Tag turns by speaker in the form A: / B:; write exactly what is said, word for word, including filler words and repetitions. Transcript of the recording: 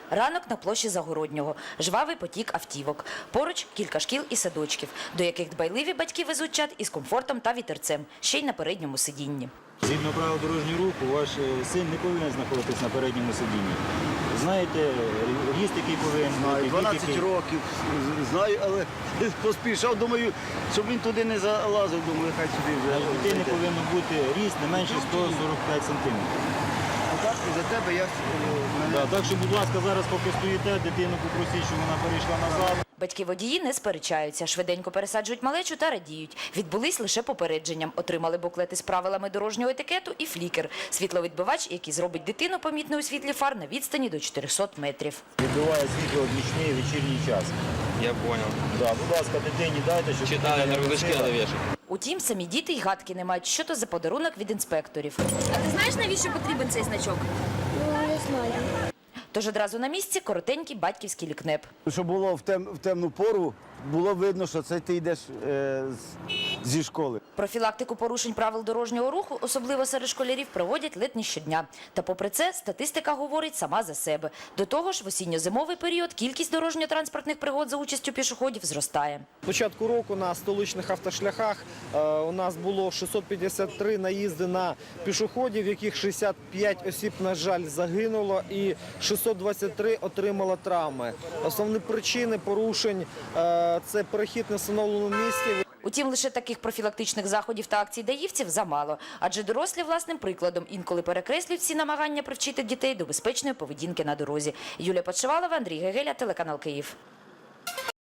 A: Ранок на площі Загороднього, жвавий потік автівок. Поруч кілька шкіл і садочків, до яких дбайливі батьки везуть чад із комфортом та вітерцем, ще й на передньому сидінні.
B: Згідно правил дорожнього руху, ваш син не повинен знаходитись на передньому сидінні. Знаєте, ріст, який повинен бути?
C: дванадцять років, знаю, але поспішав, думаю, щоб він туди не залазив, думаю, хай сюди вже.
B: У дитини повинен бути ріст не менше сто сорок п'ять сантиметрів.
C: Так, і за тебе я...
B: Да, так що, будь ласка, зараз поки стоїте, дитину попросіть, щоб вона перейшла назад.
A: Батьки-водії не сперечаються, швиденько пересаджують малечу та радіють. Відбулись лише попередженням. Отримали буклети з правилами дорожнього етикету і флікер – світловідбивач, який зробить дитину помітною у світлі фар на відстані до чотирьохсот метрів.
B: Відбиває світло в нічний вечірній час.
D: Я понял.
B: Да, будь ласка, дитині дайте, щоб
D: Читали,
B: дитина
D: на
B: не
D: рюкзачки
B: носила.
D: надо вешать.
A: Утім, самі діти й гадки не мають, що то за подарунок від інспекторів.
E: А ти знаєш, навіщо потрібен цей значок?
F: Ну, не знаю.
A: Тож одразу на місці коротенький батьківський лікнеп.
C: Щоб було в, тем, в темну пору, було видно, що це ти йдеш е, з, зі школи.
A: Профілактику порушень правил дорожнього руху, особливо серед школярів, проводять ледь не щодня. Та попри це, статистика говорить сама за себе. До того ж, в осінньо-зимовий період кількість дорожньо-транспортних пригод за участю пішоходів зростає.
G: З початку року на столичних автошляхах е, у нас було шістсот п'ятдесят три наїзди на пішоходів, в яких шістдесят п'ять осіб, на жаль, загинуло і шістсот двадцять три отримало травми. Основні причини порушень е, – це перехід на встановленому місці.
A: Утім, лише таких профілактичних заходів та акцій даївців замало. Адже дорослі власним прикладом інколи перекреслюють всі намагання привчити дітей до безпечної поведінки на дорозі. Юлія Подшивалова, Андрій Гегеля, телеканал Київ.